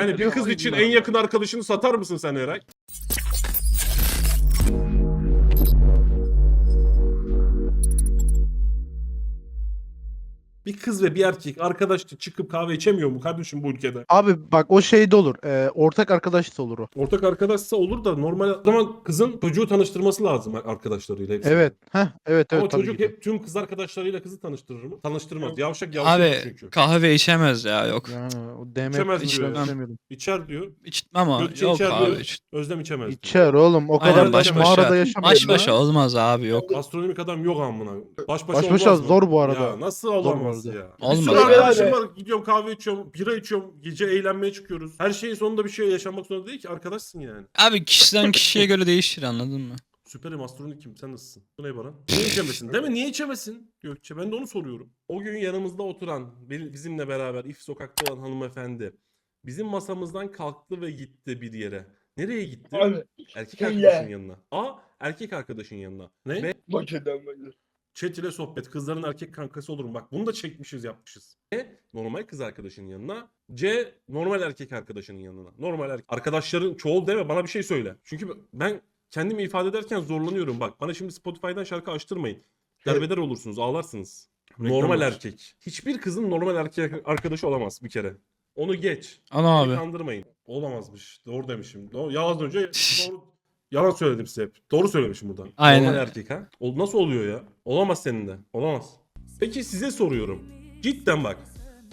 Yani bir kız için en yakın arkadaşını satar mısın sen Eray? Bir kız ve bir erkek arkadaş çıkıp kahve içemiyor mu kardeşim bu ülkede? Abi bak o şey de olur. Ortak arkadaş da olur o. Ortak arkadaşsa olur da normal o zaman kızın çocuğu tanıştırması lazım arkadaşlarıyla hepsini. Evet. Evet Ama tabii çocuk ki de. hep tüm kız arkadaşlarıyla kızı tanıştırır mı? Tanıştırmaz. Yavşak Abi çünkü. kahve içemez ya, yok. Yani o DM İçemez kısmını diyor ya. istemiyorum. İçer diyor. İçmem ama Gökçe yok içer abi. diyor. Özlem içemez diyor. İçer oğlum. O Aynen, kadar baş da başa. mağarada yaşamayın. Baş başa olmaz abi, yok. Astronomik adam yok amına. Baş Baş başa başa olmaz mı? zor bu arada. Ya nasıl Zor bu olamaz arada. ya? Olmaz Bir sürü abi. arkadaşım var. Gidiyorum kahve içiyorum, bira içiyorum. Gece eğlenmeye çıkıyoruz. Her şeyin sonunda bir şey yaşanmak zorunda değil ki. Arkadaşsın yani. Abi kişiden kişiye göre değişir, anladın mı? Süperim, astronikim, sen nasılsın? Bu ne Baran? Niye içemesin? Değil mi? Niye içemesin Gökçe? Ben de onu soruyorum. O gün yanımızda oturan, bizimle beraber if sokakta olan hanımefendi bizim masamızdan kalktı ve gitti bir yere. Nereye gitti? Abi, Erkek söyle. arkadaşın yanına. Erkek arkadaşın yanına. Ne? Maçeden böyle. Chat ile sohbet. Kızların erkek kankası olur mu? Bak bunu da çekmişiz, yapmışız. Normal kız arkadaşının yanına. Normal erkek arkadaşının yanına. Normal arkadaşların çoğul deme, bana bir şey söyle. Çünkü ben kendimi ifade ederken zorlanıyorum. Bak bana şimdi Spotify'dan şarkı açtırmayın. Derbeder olursunuz, ağlarsınız. Normal erkek. Hiçbir kızın normal erkek arkadaşı olamaz bir kere. Onu geç. Ana Beni abi. kandırmayın. Olamazmış. Doğru demişim. Ya az önce doğru, yalan söyledim size hep. Doğru söylemişim buradan. Aynen. Normal erkek ha. Nasıl oluyor ya? Olamaz senin de. Olamaz. Peki size soruyorum. Cidden bak.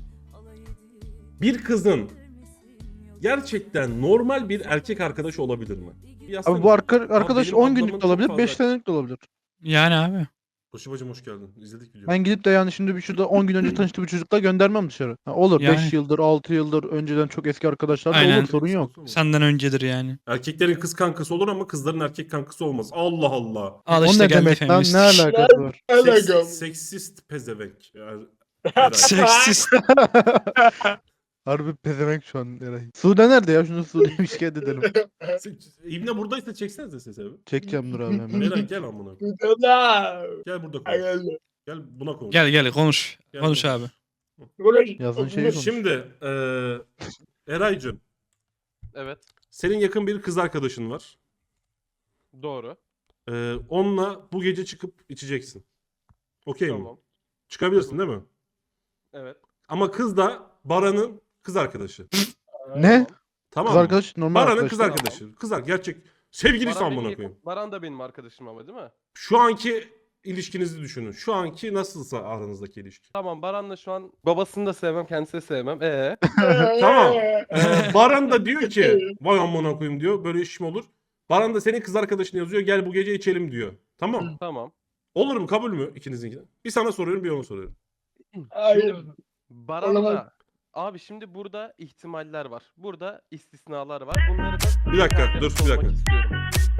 Bir kızın gerçekten normal bir erkek arkadaşı olabilir mi? Abi bu arkadaş benim 10 ablamın günlük de çok olabilir, fazla- 5 senelik de olabilir. Yani abi. Koşu bacım hoş geldin. İzledik videoyu. Ben gidip de yani şimdi bir şurada 10 gün önce tanıştığı bir çocukla göndermem dışarı. Ha, olur Yani. 5 yıldır, 6 yıldır önceden çok eski arkadaşlar da Aynen. olur, sorun yok. Senden öncedir yani. Erkeklerin kız kankası olur ama kızların erkek kankası olmaz. Allah Allah. Al O işte ne geldi demek lan? feminist. Ne alakası var? Alakam. Seksist pezevenk. Seksist. Harbi pezevenk şu an Eray. Sude nerede ya? Şunu Sude'ye bir şikayet edelim. İbne buradaysa çeksenize sesi abi. Çekeceğim dur abi hemen. Meral gel amına. Tamam. Gel burada konuş. Aynen. Gel buna konuş. Gel konuş. Gel Konuş konuş. abi. Yazın şeyi konuş. Şimdi Eraycığım, Evet. senin yakın bir kız arkadaşın var. Doğru. Onunla bu gece çıkıp içeceksin. Okey mi? Tamam. Çıkabilirsin değil mi? Evet. Ama kız da Baran'ın kız arkadaşı. Ne? Tamam Kız mı? arkadaş normal Baran'ın arkadaş. kız değil mi? arkadaşı. Gerçek sevgilisi Baran, amına benim koyayım. yakın- Baran da benim arkadaşım ama değil mi? Şu anki ilişkinizi düşünün. Şu anki nasılsa aranızdaki ilişki. Tamam, Baran'la şu an babasını da sevmem, kendisini de sevmem. Tamam. Baran da diyor ki vay amına koyayım diyor. Böyle iş mi olur? Baran da senin kız arkadaşın yazıyor. Gel bu gece içelim diyor. Tamam. Tamam. Olur mu? Kabul mü ikinizinki? Bir sana soruyorum, bir ona soruyorum. Hayır. Baran'la abi şimdi burada ihtimaller var. Burada istisnalar var. Bunları da Bir dakika, detayları dur, bir sormak dakika. istiyorum.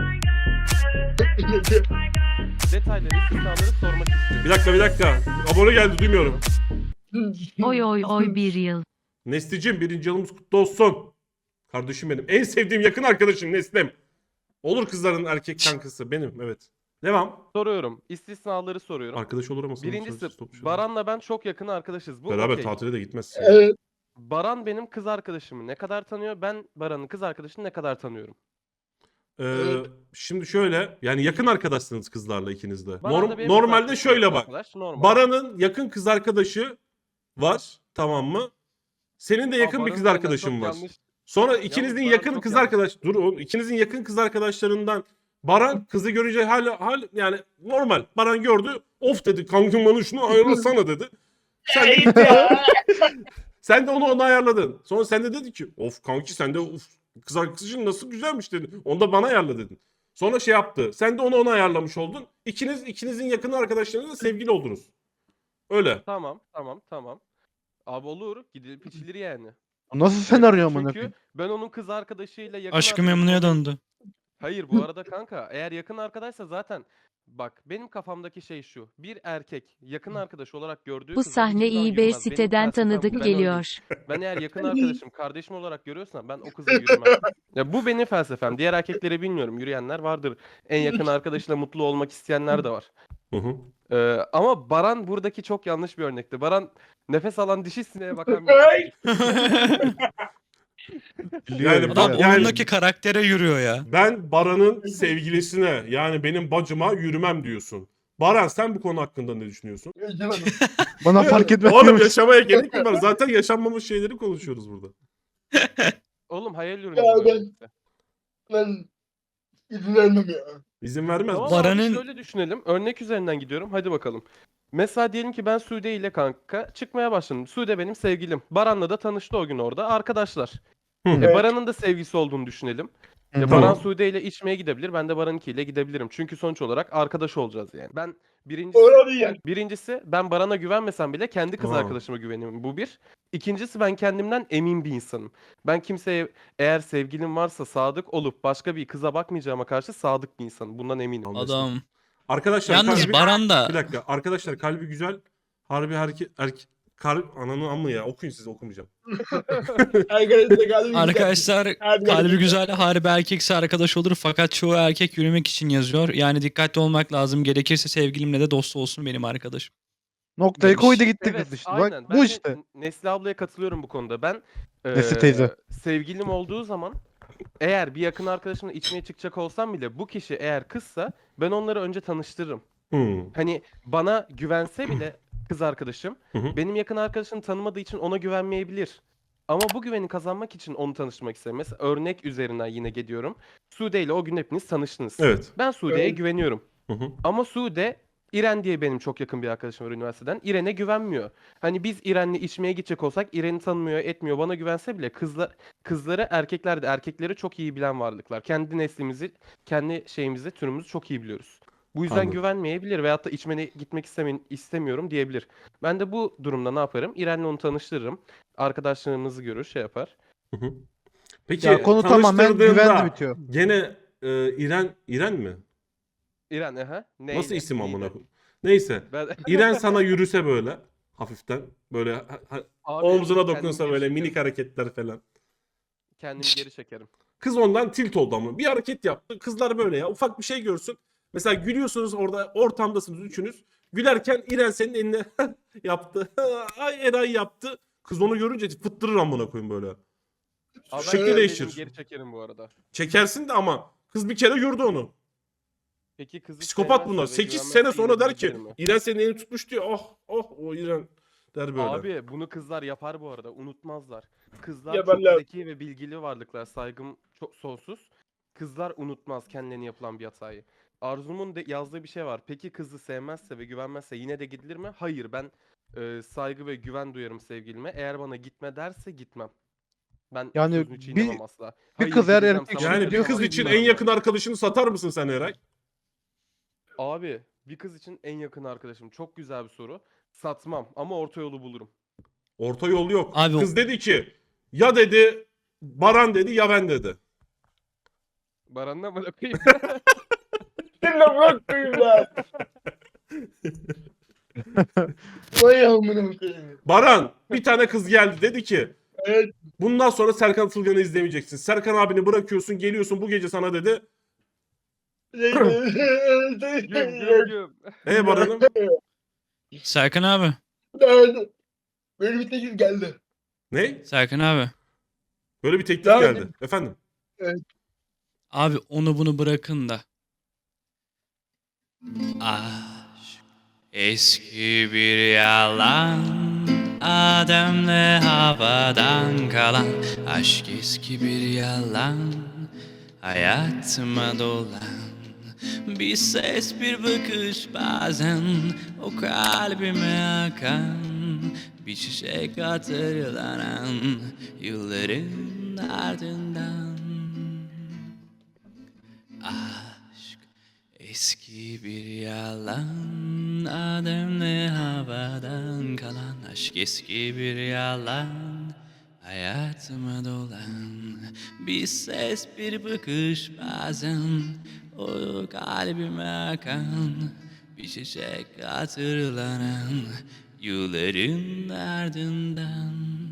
Detayları, istisnaları sormak istiyorum. Bir dakika. Abone geldi, duymuyorum. Oy oy oy bir yıl. Neslicim, 1. yılımız kutlu olsun. Kardeşim benim. En sevdiğim yakın arkadaşım Neslem. Olur kızların erkek kankası. Benim, evet. Devam. Soruyorum. İstisnaları soruyorum. Arkadaş olur ama sana Birincisi söz stop şu an. Baran'la ben çok yakın arkadaşız. Bu Beraber okey. tatile de gitmezsin. Evet. Baran benim kız arkadaşımı ne kadar tanıyor? Ben Baran'ın kız arkadaşını ne kadar tanıyorum? Şimdi şöyle, yani yakın arkadaşsınız kızlarla ikiniz de. Baran da benim Normalde kız şöyle bak. arkadaş, normal. Baran'ın yakın kız arkadaşı var, tamam mı? Senin de yakın bir Baran'ın kız benden arkadaşın çok var. yanlış- Sonra ikinizin Baran yakın çok kız yanlış. arkadaş, dur oğlum, ikinizin yakın kız arkadaşlarından Baran kızı görünce yani normal. Baran gördü, of dedi, kankim bana şunu ayarlasana dedi. Sen de onu ayarladın. Sonra sen de dedi ki of kanki sen de of, kız arkadaşın nasıl güzelmiş dedin. Onu da bana ayarla dedin. Sonra şey yaptı. Sen de onu ayarlamış oldun. İkinizin yakın arkadaşlarınızla sevgili oldunuz. Öyle. Tamam. Abi olur. Gidilip içilir yani. Nasıl senaryo amına Çünkü koyayım? ben onun kız arkadaşıyla yakın Aşkı arkadaş memnuya olduğum- döndü. Hayır bu arada kanka eğer yakın arkadaşsa zaten bak benim kafamdaki şey şu. Bir erkek yakın arkadaş olarak gördüğü Bu kıza sahne hiçbir zaman iyi bir yürümez. Benim siteden felsefem bu, tanıdık ben öyleyim. geliyor. Ben eğer yakın arkadaşım, kardeşim olarak görüyorsam ben o kıza yürümem. Ya bu benim felsefem. Diğer erkekleri bilmiyorum. Yürüyenler vardır. En yakın arkadaşıyla mutlu olmak isteyenler de var. Hı hı. Ama Baran buradaki çok yanlış bir örnekti. Baran nefes alan dişi sineğe bakan bir Biliyor, Yani Adam Yani- oyundaki karaktere yürüyor ya. Ben Baran'ın sevgilisine yani benim bacıma yürümem diyorsun. Baran sen bu konu hakkında ne düşünüyorsun? Yaşamadım. Bana fark etmez. Oğlum yaşamaya gerek mi var? Zaten yaşanmamış şeyleri konuşuyoruz burada. Oğlum hayal ürünü Ya bunların ben- hepsi. Ben izin vermem ya. İzin vermez Tamam misin? abi Baran'ın- şöyle düşünelim. Örnek üzerinden gidiyorum. Hadi bakalım. Mesela diyelim ki ben Sude ile kanka çıkmaya başladım. Sude benim sevgilim. Baran'la da tanıştı o gün orada. Arkadaşlar. Hı. Evet. Baran'ın da sevgisi olduğunu düşünelim. Hı hı. Baran Tamam. Sude ile içmeye gidebilir. Ben de Baran'ınkiyle gidebilirim. Çünkü sonuç olarak arkadaş olacağız yani. Ben birincisi, Orada yani. birincisi ben Baran'a güvenmesem bile kendi kız Aa. arkadaşıma güveniyorum. Bu bir. İkincisi ben kendimden emin bir insanım. Ben kimseye eğer sevgilim varsa sadık olup başka bir kıza bakmayacağıma karşı sadık bir insanım. Bundan eminim. Anlaşıldı. Adam. Arkadaşlar Yalnız kalbi... Baran Bir da dakika. Arkadaşlar kalbi güzel. Harbi kalp ananı amma ya. Okuyun siz okumayacağım. Arkadaşlar kalbim arkadaşlar Hadi kalbi bakalım. güzel harbi erkekse arkadaş olur fakat çoğu erkek yürümek için yazıyor. Yani dikkatli olmak lazım. Gerekirse sevgilimle de dost olsun benim arkadaşım. Noktayı Demiş. koydu gitti Evet, kız işte. aynen. Bak Ben bu de işte. Nesli ablaya katılıyorum bu konuda. Ben Nesli teyze. sevgilim olduğu zaman eğer bir yakın arkadaşımla içmeye çıkacak olsam bile bu kişi eğer kızsa ben onları önce tanıştırırım. Hani bana güvense bile kız arkadaşım Hı hı. benim yakın arkadaşını tanımadığı için ona güvenmeyebilir. Ama bu güveni kazanmak için onu tanıştırmak isterim. Mesela örnek üzerinden yine gidiyorum. Sude ile o gün hepiniz tanıştınız. Evet. Ben Sude'ye Evet. güveniyorum. Hı hı. Ama Sude, İren diye benim çok yakın bir arkadaşım var üniversiteden. İren'e güvenmiyor. Hani biz İren'le içmeye gidecek olsak İren'i tanımıyor, etmiyor. Bana güvense bile kızları erkekler de erkekleri çok iyi bilen varlıklar. Kendi neslimizi, kendi şeyimizi, türümüzü çok iyi biliyoruz. Bu yüzden Anladım. güvenmeyebilir veyahut da içmene gitmek istemiyorum diyebilir. Ben de bu durumda ne yaparım? İren'le onu tanıştırırım. Arkadaşlarımızı görür, şey yapar. Hı hı. Peki Ya konu tamamen tanıştırdığında güvenle bitiyor. Gene İren mi? İren, neyle? Nasıl isim Neydi? amına koyayım? Neyse. Ben... İren sana yürüse böyle hafiften böyle Abi, omzuna kendimi dokunsa geri böyle çekerim. minik hareketler falan. Kendimi geri çekerim. Kız ondan tilt oldu ama. Bir hareket yaptı. Kızlar böyle ya. Ufak bir şey görsün. Mesela gülüyorsunuz orada ortamdasınız üçünüz. Gülerken İren senin eline yaptı. Ay Eray yaptı. Kız onu görünce fıttırır amına koyayım böyle. Abi ben Şekli kendimi değişir. Geri çekerim bu arada. Çekersin de ama kız bir kere gördü onu. Peki kızı Psikopat sevmezse bunlar. ve 8 güvenmezse sene yine sonra der ki gidebilir mi? İren senin elini tutmuş diyor. Oh o İren der böyle. Abi bunu kızlar yapar bu arada. Unutmazlar. Kızlar Yaparlar. çok zeki ve bilgili varlıklar. Saygım çok sonsuz. Kızlar unutmaz kendilerine yapılan bir hatayı. Arzu'nun de yazdığı bir şey var. Peki kızı sevmezse ve güvenmezse yine de gidilir mi? Hayır, ben saygı ve güven duyarım sevgilime. Eğer bana gitme derse gitmem. Ben Yani sözünü çiğnemem asla. Hayır, kız eğer gideceğim, erkek sana Yani bir gideceğim, kız ama için en gitmem. yakın arkadaşını satar mısın sen Eray? Abi bir kız için en yakın arkadaşım. Çok güzel bir soru. Satmam ama orta yolu bulurum. Orta yol yok. Abi Kız dedi ki ya dedi Baran dedi ya ben dedi. Baran'la mı koyayım? Seninle bırak koyayım lan. Vay amına koyayım. Baran bir tane kız geldi dedi ki Evet. bundan sonra Serkan Atılgan'ı izlemeyeceksin. Serkan abini bırakıyorsun geliyorsun bu gece sana dedi. Güm. Baran'ım Serkan abi. Böyle bir teklif geldi. ne? Serkan abi. Böyle bir teklif Devam geldi. edin. Efendim. Abi onu bunu bırakın da. Aşk eski bir yalan, Adem'le havadan kalan. Aşk eski bir yalan, hayatıma dolan. Bir ses bir bakış bazen o kalbime akan. Bir çiçek hatırlanan yılların ardından. Aşk eski bir yalan, Adem'le havadan kalan. Aşk eski bir yalan, hayatıma dolan. Bir ses bir bakış bazen o kalbime akan. Bir çiçek hatırlanan yılların ardından.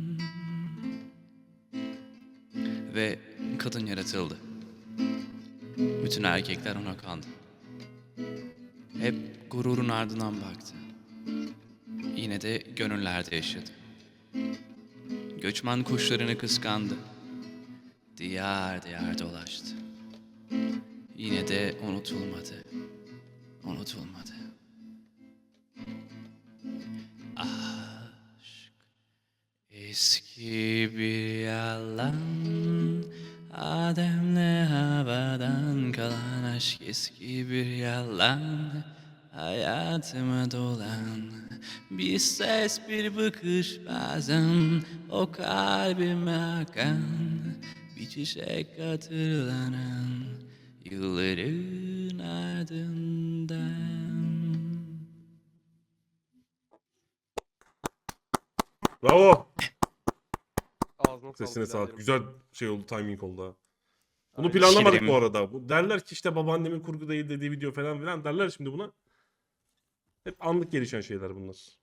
Ve kadın yaratıldı. Bütün erkekler ona kandı. Hep gururun ardından baktı. Yine de gönüllerde yaşadı. Göçmen kuşlarını kıskandı. diyar diyar dolaştı. Yine de unutulmadı. Unutulmadı. Aşk eski bir yalan. Adem'le havadan kalan aşk eski bir yalan. Hayatıma dolan bir ses bir bakış bazen o kalbime akan bir çiçek hatırlanan yılların ardından. Bravo. Ağzına Sesine sağlık sağlık. biraderim. Güzel şey oldu, timing oldu ha. Bunu Aynen. planlamadık Şirin. bu arada. Bu derler ki işte babaannemin kurgu değil dediği video falan filan derler şimdi buna. Hep anlık gelişen şeyler bunlar.